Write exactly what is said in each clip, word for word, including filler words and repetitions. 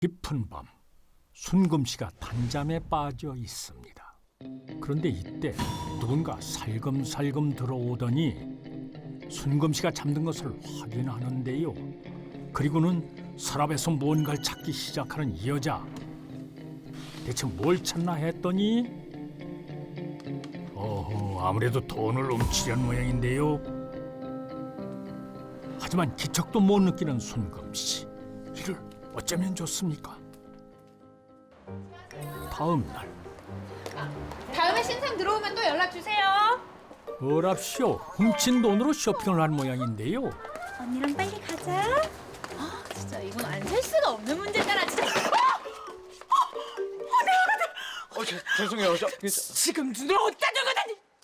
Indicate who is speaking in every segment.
Speaker 1: 깊은 밤, 순금 씨가 단잠에 빠져 있습니다. 그런데 이때 누군가 살금살금 들어오더니 순금 씨가 잠든 것을 확인하는데요. 그리고는 서랍에서 뭔가를 찾기 시작하는 이 여자. 대체 뭘 찾나 했더니 어허, 아무래도 돈을 훔치려는 모양인데요. 하지만 기척도 못 느끼는 순금 씨. 이를 어쩌면 좋습니까? 다음 날
Speaker 2: 다음에 신상 들어오면 또 연락 주세요.
Speaker 1: 어랍쇼 훔친 돈으로 쇼핑을 한 모양인데요.
Speaker 2: 언니랑 빨리 가자. 아, 진짜 이건 안 살 수가 없는 문제잖아, 진짜.
Speaker 3: 어, 제, 죄송해요. 저, 그,
Speaker 2: 지금 눈을 어디다 두고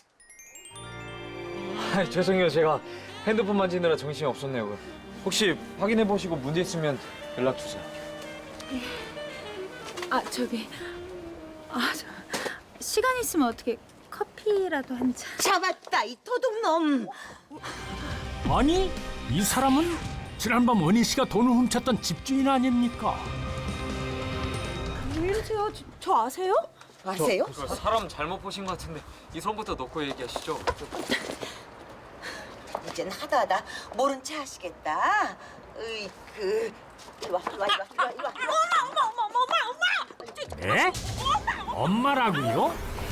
Speaker 2: 다니?
Speaker 3: 아, 죄송해요. 제가 핸드폰 만지느라 정신이 없었네요. 혹시 확인해 보시고 문제 있으면 연락 주세요.
Speaker 2: 아, 저기, 아, 저, 시간 있으면 어떻게 커피라도 한 잔?
Speaker 4: 잡았다 이 도둑놈.
Speaker 1: 아니 이 사람은 지난밤 은희 씨가 돈을 훔쳤던 집주인 아닙니까?
Speaker 2: 왜 이러세요? 저, 저 아세요?
Speaker 4: 아세요?
Speaker 3: 저, 사람 잘못 보신 것 같은데 이 손부터 놓고 얘기하시죠.
Speaker 4: 이젠 하다하다 모른 체 하시겠다. 으이 그 이리 와 이리 와 이리 와 이리 와 이리 와.
Speaker 2: 어머, 어머, 어머, 어머, 어머!
Speaker 1: 네? 엄마라고요?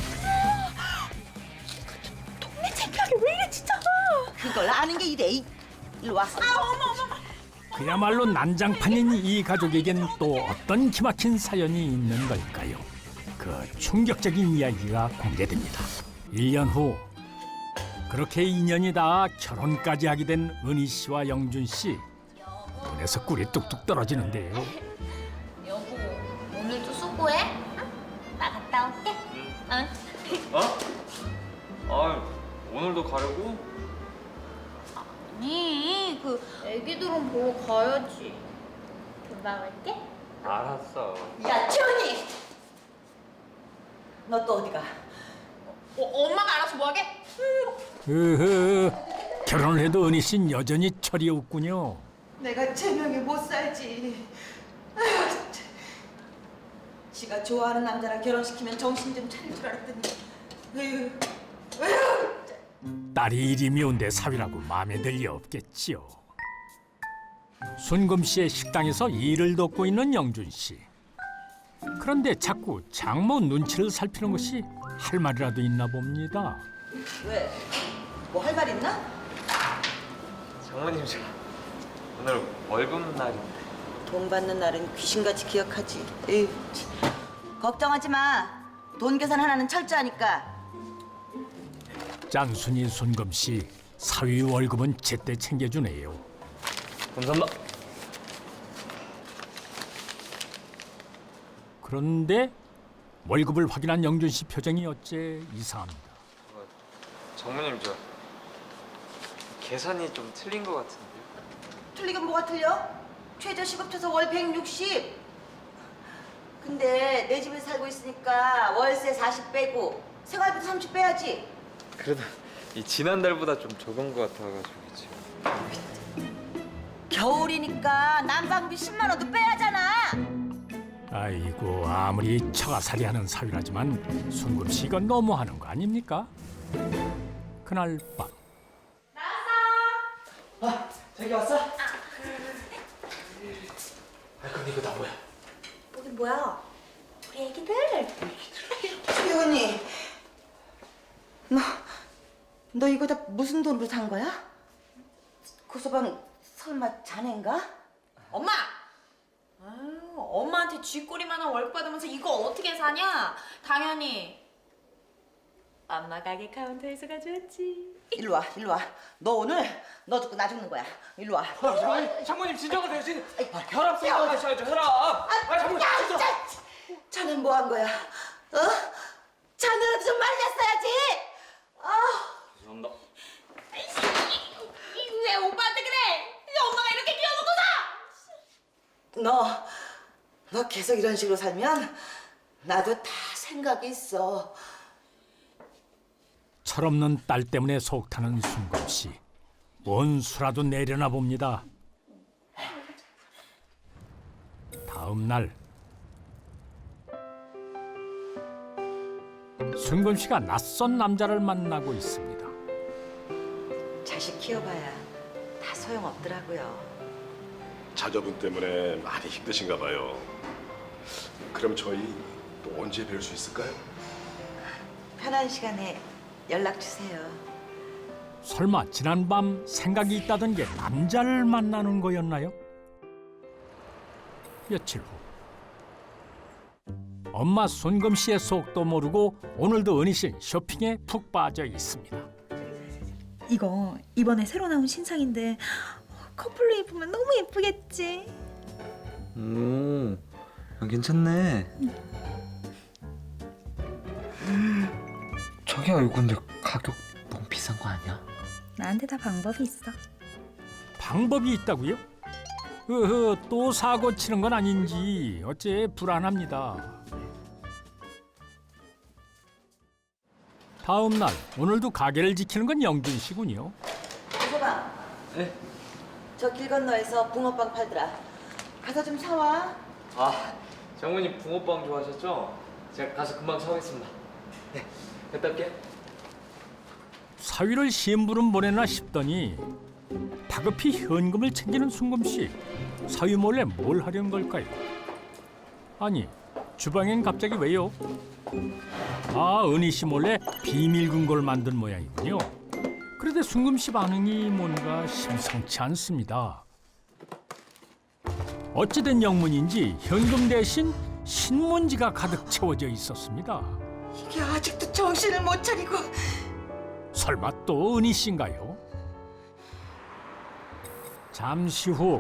Speaker 2: 동네 창피하게 왜 이래, 진짜!
Speaker 4: 그걸 아는 게 이래. 이- 이리 와.
Speaker 2: 아, 어머, 어머,
Speaker 1: 그야말로 난장판인 이 가족에겐 또 어떤 기막힌 사연이 있는 걸까요? 그 충격적인 이야기가 공개됩니다. 일 년 후 그렇게 인연이 닿아 결혼까지 하게 된 은희 씨와 영준 씨. 눈에서 꿀이 뚝뚝 떨어지는데요.
Speaker 2: 여보, 오늘도 수고해. 응? 나 갔다 올게. 응?
Speaker 3: 어? 아, 오늘도 가려고?
Speaker 2: 아니, 그 애기들은 보러 가야지. 금방 올게.
Speaker 3: 알았어.
Speaker 4: 야 지훈이. 너 또 어디 가?
Speaker 2: 어, 엄마가 알아서 뭐하게?
Speaker 1: 으흐, 결혼을 해도 은희 씨는 여전히 철이 없군요.
Speaker 4: 내가 제명에 못 살지. 아휴, 진짜. 지가 좋아하는 남자랑 결혼시키면 정신 좀 차릴 줄 알았더니. 에휴, 에휴.
Speaker 1: 딸이 일이 미운데 사위라고 마음에 들 리 없겠지요. 순금 씨의 식당에서 일을 돕고 있는 영준 씨. 그런데 자꾸 장모 눈치를 살피는 것이 할 말이라도 있나 봅니다.
Speaker 4: 왜? 뭐 할 말 있나?
Speaker 3: 장모님, 저 오늘 월급 날인데.
Speaker 4: 돈 받는 날은 귀신같이 기억하지. 에휴, 참. 걱정하지 마. 돈 계산 하나는 철저하니까.
Speaker 1: 짠순이 순금 씨 사위 월급은 제때 챙겨주네요.
Speaker 3: 감사합니다.
Speaker 1: 그런데 월급을 확인한 영준 씨 표정이 어째 이상합니다.
Speaker 3: 어, 장모님, 저 계산이 좀 틀린 것 같은데요.
Speaker 4: 틀리긴 뭐가 틀려? 최저 시급 쳐서 월 백육십. 근데 내 집에 살고 있으니까 월세 사십 빼고 생활비도 삼십 빼야지.
Speaker 3: 그래도 이 지난달보다 좀 적은 것 같아가지고 지금.
Speaker 4: 겨울이니까 난방비 십만 원도 빼야잖아.
Speaker 1: 아이고 아무리 처가살이하는 사위라지만 순금 씨 이건 너무하는 거 아닙니까? 그날 밤
Speaker 3: 아, 자기 왔어? 아, 근데 이거 다 뭐야?
Speaker 4: 이게 뭐야? 우리 애기들. 수연이, 너, 너 이거 다 무슨 돈으로 산 거야? 그 소방 설마 자네인가?
Speaker 2: 엄마! 아유, 엄마한테 쥐꼬리만한 월급 받으면서 이거 어떻게 사냐? 당연히 엄마 가게 카운터에서 가져왔지.
Speaker 4: 일로 와, 일로 와. 너 오늘 너 죽고 나 죽는 거야. 일로 와.
Speaker 3: 아, 장모님, 장모님 진정하세요. 지금 아, 혈압 생각하셔야죠. 혈압. 아, 장모님 진정.
Speaker 4: 자넨 뭐 한 거야? 어? 자네라도 좀 말렸어야지. 아,
Speaker 3: 죄송합니다.
Speaker 2: 왜 오빠한테 그래? 엄마가 이렇게 키워놓고 사!
Speaker 4: 너, 너 계속 이런 식으로 살면 나도 다 생각이 있어.
Speaker 1: 철없는 딸 때문에 속 타는 순금 씨. 뭔 수라도 내려나 봅니다. 다음 날 순금 씨가 낯선 남자를 만나고 있습니다.
Speaker 4: 자식 키워봐야 다 소용없더라고요.
Speaker 5: 자녀분 때문에 많이 힘드신가 봐요. 그럼 저희 또 언제 뵐 수 있을까요?
Speaker 4: 편한 시간에 연락 주세요.
Speaker 1: 설마 지난밤 생각이 있다던 게 남자를 만나는 거였나요? 며칠 후 엄마 순금 씨의 속도 모르고 오늘도 은희 씨는 쇼핑에 푹 빠져 있습니다.
Speaker 2: 이거 이번에 새로 나온 신상인데 커플로 입으면 너무 예쁘겠지.
Speaker 3: 오, 괜찮네. 자기야, 이거 근데 가격 너무 비싼 거 아니야?
Speaker 2: 나한테 다 방법이 있어.
Speaker 1: 방법이 있다고요? 으흐, 또 사고 치는 건 아닌지 어째 불안합니다. 다음 날 오늘도 가게를 지키는 건 영준 씨군요.
Speaker 4: 이소방,
Speaker 3: 네?
Speaker 4: 저 길 건너에서 붕어빵 팔더라. 가서 좀 사와.
Speaker 3: 아, 장모님 붕어빵 좋아하셨죠? 제가 가서 금방 사오겠습니다. 네, 갔다 올게요.
Speaker 1: 사위를 심부름 보내나 싶더니 다급히 현금을 챙기는 순금 씨. 사위 몰래 뭘 하려는 걸까요? 아니, 주방엔 갑자기 왜요? 아, 은희 씨 몰래 비밀 금고를 만든 모양이군요. 그런데 순금 씨 반응이 뭔가 심상치 않습니다. 어찌된 영문인지 현금 대신 신문지가 가득 채워져 있었습니다.
Speaker 4: 이게 아직도 정신을 못 차리고.
Speaker 1: 설마 또 은희 씨인가요? 잠시 후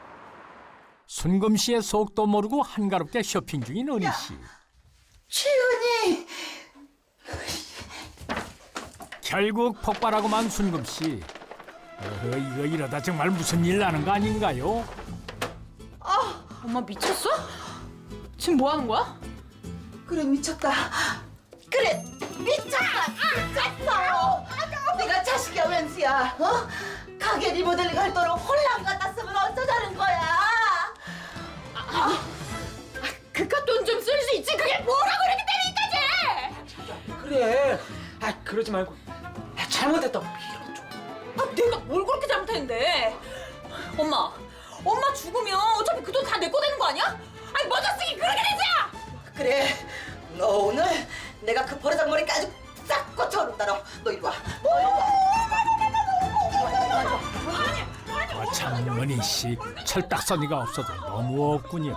Speaker 1: 순금 씨의 속도 모르고 한가롭게 쇼핑 중인 은희 씨.
Speaker 4: 최은이!
Speaker 1: 결국 폭발하고만 순금 씨. 어허, 이거 이러다 정말 무슨 일 나는 거 아닌가요?
Speaker 6: 엄마 미쳤어? 지금 뭐 하는 거야?
Speaker 4: 그래, 미쳤다. 그래, 미쳤다. 미쳤어. 내가 자식이야 웬수야. 어? 가게 리모델링 할 돈을 홀랑 갖다 쓰면 어쩌자는 거야.
Speaker 6: 그깟 돈 좀 쓸 수 있지. 그게 뭐라고 이렇게 때리기까지?
Speaker 3: 그래. 아, 그러지 말고. 아, 잘못했다고.
Speaker 6: 아, 내가 뭘 그렇게 잘못했는데? 엄마, 엄마 죽으면 어차피 그 돈 다 내 거 되는 거 아니야? 아니 먼저 쓰기 그렇게 되지?
Speaker 4: 그래, 너 오늘 내가 그 버르장머리 까지 싹 꽂혀오른다. 너, 너 이리 와.
Speaker 1: 아, 참 은희 씨 철딱서니가 없어도 너무 없군요.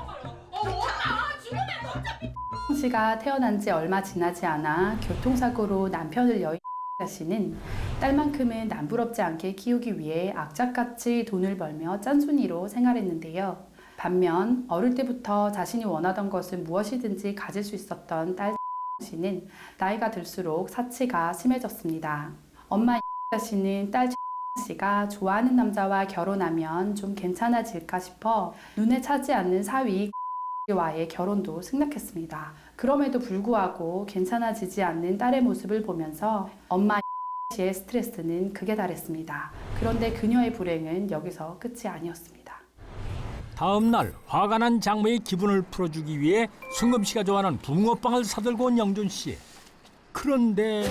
Speaker 7: 씨가 태어난 지 얼마 지나지 않아 교통사고로 남편을 여인 씨는 딸만큼은 남부럽지 않게 키우기 위해 악착같이 돈을 벌며 짠순이로 생활했는데요. 반면 어릴 때부터 자신이 원하던 것은 무엇이든지 가질 수 있었던 딸 씨는 나이가 들수록 사치가 심해졌습니다. 엄마 씨는 딸 씨가 좋아하는 남자와 결혼하면 좀 괜찮아질까 싶어 눈에 차지 않는 사위 와의 결혼도 승낙했습니다. 그럼에도 불구하고 괜찮아지지 않는 딸의 모습을 보면서 엄마 씨의 스트레스는 극에 달했습니다. 그런데 그녀의 불행은 여기서 끝이 아니었습니다.
Speaker 1: 다음 날 화가 난 장모의 기분을 풀어주기 위해 순금 씨가 좋아하는 붕어빵을 사들고 온 영준 씨. 그런데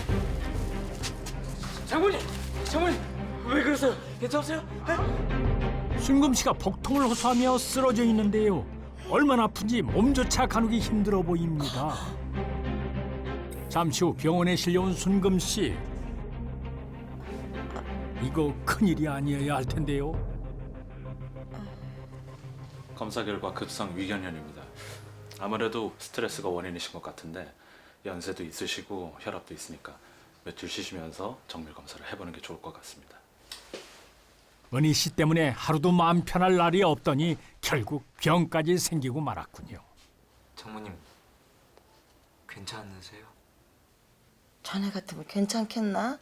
Speaker 3: 장모님, 장모님, 왜 그러세요? 괜찮으세요? 네?
Speaker 1: 순금 씨가 복통을 호소하며 쓰러져 있는데요. 얼마나 아픈지 몸조차 가누기 힘들어 보입니다. 잠시 후 병원에 실려온 순금 씨. 이거 큰일이 아니어야 할 텐데요.
Speaker 8: 검사 결과 급성 위경련입니다. 아무래도 스트레스가 원인이신 것 같은데 연세도 있으시고 혈압도 있으니까 며칠 쉬시면서 정밀 검사를 해보는 게 좋을 것 같습니다.
Speaker 1: 은희 씨 때문에 하루도 마음 편할 날이 없더니 결국 병까지 생기고 말았군요.
Speaker 3: 장모님, 괜찮으세요?
Speaker 4: 자네 같으면 괜찮겠나?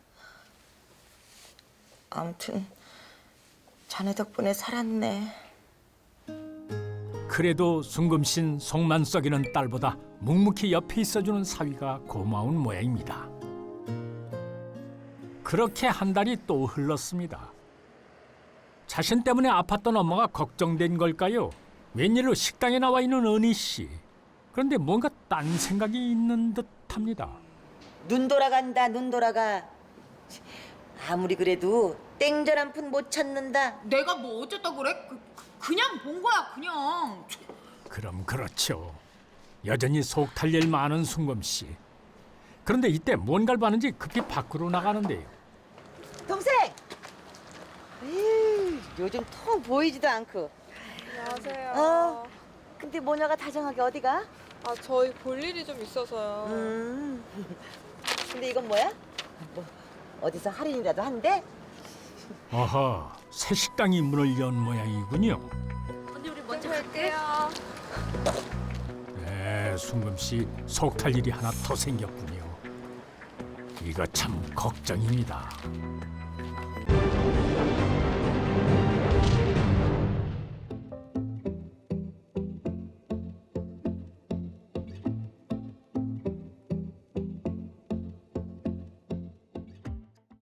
Speaker 4: 아무튼 자네 덕분에 살았네.
Speaker 1: 그래도 순금 씨는 속만 썩이는 딸보다 묵묵히 옆에 있어주는 사위가 고마운 모양입니다. 그렇게 한 달이 또 흘렀습니다. 자신 때문에 아팠던 엄마가 걱정된 걸까요? 웬일로 식당에 나와 있는 은희 씨. 그런데 뭔가 딴 생각이 있는 듯합니다.
Speaker 4: 눈 돌아간다 눈 돌아가. 아무리 그래도 땡전 한 푼 못 찾는다.
Speaker 6: 내가 뭐 어쨌다 그래? 그, 그냥 본 거야 그냥.
Speaker 1: 그럼 그렇죠. 여전히 속 탈일 많은 순금 씨. 그런데 이때 뭔가를 봤는지 급히 밖으로 나가는데요.
Speaker 4: 동생! 에이, 요즘 통 보이지도 않고.
Speaker 9: 안녕하세요.
Speaker 4: 어, 근데 모녀가 다정하게 어디가?
Speaker 9: 아 저희 볼 일이 좀 있어서요.
Speaker 4: 음. 근데 이건 뭐야? 뭐 어디서 할인이라도 한대?
Speaker 1: 어허, 새 식당이 문을 연 모양이군요.
Speaker 9: 언니 우리 먼저 갈게요.
Speaker 1: 네, 순금 씨 속 탈 일이 하나 더 생겼군요. 이거 참 걱정입니다.